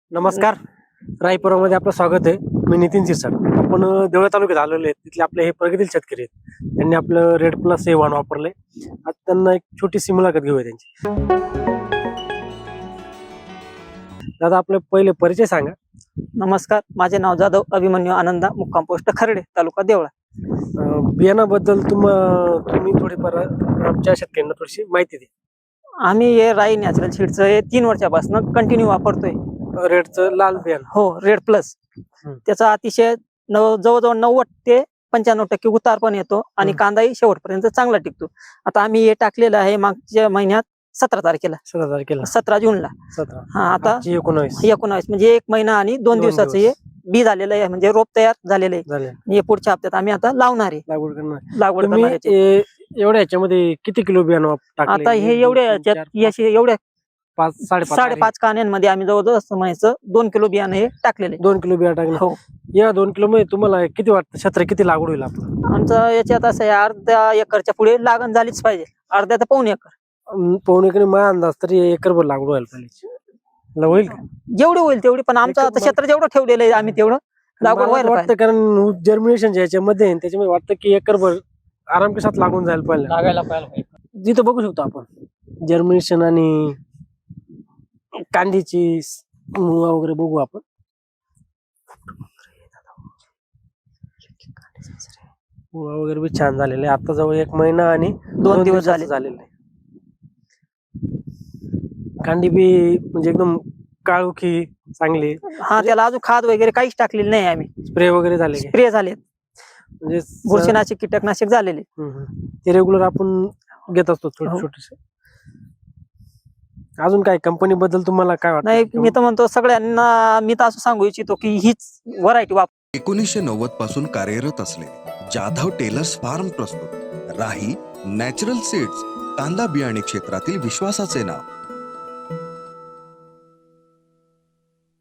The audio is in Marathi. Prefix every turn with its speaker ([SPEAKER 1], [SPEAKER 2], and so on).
[SPEAKER 1] नमस्कार. रायपुरामध्ये आपलं स्वागत आहे. मी नितीन शिरसाट. आपण देवळा तालुक्यात आलेलो आहे. तिथले आपले हे प्रगतील शेतकरी आहेत. त्यांनी आपलं रेड प्लस हे वाण वापरलंय. आज त्यांना एक छोटीशी मुलाखत घेऊया त्यांची. दादा, आपले पहिले परिचय सांगा.
[SPEAKER 2] नमस्कार, माझे नाव जाधव अभिमन्यू आनंदा, मुक्काम पोस्ट खर्डे, तालुका देवळा.
[SPEAKER 1] बियाणाबद्दल तुम्ही थोडीफार आमच्या शेतकऱ्यांना थोडीशी माहिती द्या.
[SPEAKER 2] आम्ही हे राई नॅचरल सीडचं हे 3 वर्षापासून कंटिन्यू वापरतोय.
[SPEAKER 1] रेडचं लाल बियाणं.
[SPEAKER 2] हो, रेड प्लस. त्याचा अतिशय जवळजवळ 90 ते 95% उतार पण येतो आणि कांदाही शेवटपर्यंत चांगला टिकतो. आता आम्ही हे टाकलेलं आहे मागच्या महिन्यात 17 तारखेला, 17 जूनला.
[SPEAKER 1] 17.
[SPEAKER 2] हा, आता
[SPEAKER 1] 19
[SPEAKER 2] म्हणजे 1 महिना आणि 2 दिवसाचं हे बी झालेलं आहे, म्हणजे रोप तयार झालेलं आहे. हे पुढच्या हप्त्यात आम्ही आता लावणार आहे, लागवड करणार आहे.
[SPEAKER 1] एवढ्या ह्याच्यामध्ये किती किलो बियाणं टाकलं?
[SPEAKER 2] आता हे एवढ्या 5.5 कान्यांमध्ये आम्ही जवळजवळ म्हणायचं 2 किलो बियाणं हे टाकलेले.
[SPEAKER 1] 2 किलो बियाणं टाकलं.
[SPEAKER 2] हो.
[SPEAKER 1] या 2 किलो मध्ये तुम्हाला किती वाटतं क्षेत्र किती लागवड होईल आपलं?
[SPEAKER 2] आमचं याच्यात असं आहे, अर्ध्या एकरच्या पुढे लागण झालीच पाहिजे. अर्ध्या तर पाऊण एकर.
[SPEAKER 1] पाऊण एकर माझा अंदाज तरी एकरभर लागवड व्हायला पाहिजे. होईल का?
[SPEAKER 2] जेवढे होईल तेवढी, पण आमचं आता क्षेत्र जेवढं ठेवलेलं आहे आम्ही तेवढं लागवड व्हायला
[SPEAKER 1] वाटतं. कारण जर्मिनेशन याच्यामध्ये त्याच्यामध्ये वाटतं की एकरभर आराम के साथ लागून जायला पाहिजे. जिथं बघू शकतो आपण जर्मिनेशन आणि कांदीची मुळा वगैरे बघू आपण. मुळा वगैरे बी छान झालेले. आता जवळ 1 महिना आणि
[SPEAKER 2] 2 दिवस झालेले
[SPEAKER 1] आहे. कांदी बी म्हणजे एकदम काळोखी चांगली.
[SPEAKER 2] हा, त्याला अजून खाद वगैरे काहीच टाकलेलं नाही आम्ही.
[SPEAKER 1] स्प्रे वगैरे झाले,
[SPEAKER 2] स्प्रे झाले,
[SPEAKER 1] म्हणजे
[SPEAKER 2] बुरशीनाशक कीटकनाशक झालेले.
[SPEAKER 1] ते रेग्युलर आपण घेत असतो छोटे छोटेसे. अजून काय कंपनी बद्दल तुम्हाला काय वाटतं?
[SPEAKER 2] नाही, मी तर म्हणतो सगळ्यांना मी तर असं सांगू इच्छितो की हीच व्हरायटी वापर.
[SPEAKER 3] 1990 पासून कार्यरत असलेले जाधव टेलर्स फार्म प्रस्तुत राही नॅचरल सीड्स, कांदा बियाणे क्षेत्रातील विश्वासाचे नाव.